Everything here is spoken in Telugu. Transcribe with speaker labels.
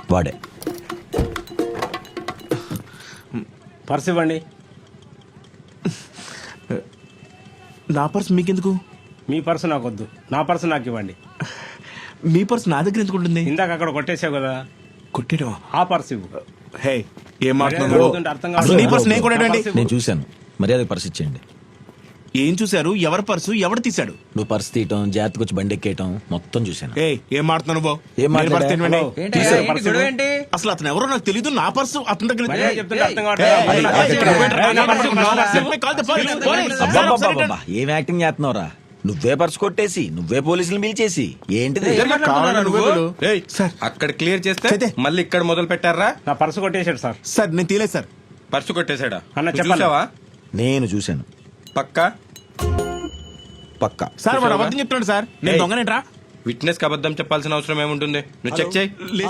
Speaker 1: వాడే.
Speaker 2: పర్స్ ఇవ్వండి.
Speaker 3: నా పర్స్ మీకెందుకు?
Speaker 2: మీ పర్సు నాకు వద్దు, నా పర్సు నాకు ఇవ్వండి.
Speaker 3: మీ పర్స్ నా దగ్గర ఎందుకు ఉంటుంది?
Speaker 2: ఇందాక అక్కడ కొట్టేసావు కదా,
Speaker 3: కొట్టేయడం?
Speaker 2: ఆ పర్సు ఇవ్వు.
Speaker 3: హే, ఏం
Speaker 2: మర్యాద
Speaker 3: మాట్లాడుతున్నావు?
Speaker 2: అడుగుతుంటే అర్థం
Speaker 3: అసలు నీ
Speaker 2: కాదు.
Speaker 3: పర్స్ నేను కొట్టేయండి.
Speaker 1: నేను చూశాను, మర్యాద పర్స్ ఇచ్చేయండి.
Speaker 3: ఏం చూశారు? ఎవరి పర్సు ఎవడు తీశాడు?
Speaker 1: నువ్వు పర్స్ తీయటం, జాగ్రత్తగా వచ్చి బండి ఎక్కేయటం మొత్తం చూశాను.
Speaker 3: ఏ ఏం మాట్లాడుతున్నావు నువ్వు?
Speaker 1: ఏం
Speaker 3: నేను పర్స్ తినవండి.
Speaker 2: హలో.
Speaker 3: తీశారు
Speaker 2: ఏంటి
Speaker 3: పర్సు.
Speaker 2: గొడవ ఏంటి?
Speaker 3: అసలు అతను ఎవరో నాకు తెలీదు. నా పర్సు అతని దగ్గర
Speaker 2: మర్యాద చెప్తుంటే అర్థం
Speaker 3: ఏయ్,
Speaker 2: కావట్లేదు.
Speaker 3: ఏయ్,
Speaker 2: నా పర్సు
Speaker 3: ఇక్కడ
Speaker 2: ఇవ్వు.
Speaker 3: పెట్టరా?
Speaker 2: నా పర్సు ఇవ్వు.
Speaker 3: Let me call the police. Police.
Speaker 1: అబ్బబ్బబ్బబ్బబ్బా, ఏం యాక్టింగ్ చేస్తున్నావురా? నువ్వే పర్స్ కొట్టేసి నువ్వే పోలీసులు పిలిచేసి ఏంటిది?
Speaker 3: ఏయ్, సార్
Speaker 4: అక్కడ క్లియర్ చేస్తే
Speaker 3: చేతే.
Speaker 4: మళ్ళీ ఇక్కడ మొదలు పెట్టారా?
Speaker 2: నా పర్సు కొట్టేశాడు సార్.
Speaker 3: సార్ నేను తీలేదు సార్.
Speaker 4: పర్సు కొట్టేశాడా?
Speaker 2: అన్న,
Speaker 4: నువ్వు
Speaker 2: చెప్పండి.
Speaker 4: చూసావా?
Speaker 1: నేను చూశాను
Speaker 4: పక్కా
Speaker 1: పక్కా.
Speaker 3: సార్ వాడు
Speaker 4: చూసావా?
Speaker 3: అబద్ధం చెప్తున్నాడు సార్. నేను
Speaker 4: ఏయ్.
Speaker 3: దొంగనేట్రా?
Speaker 4: విట్నెస్ కి అబద్ధం చెప్పాల్సిన అవసరం ఏముంటుంది? నువ్వు చెక్ చేయి.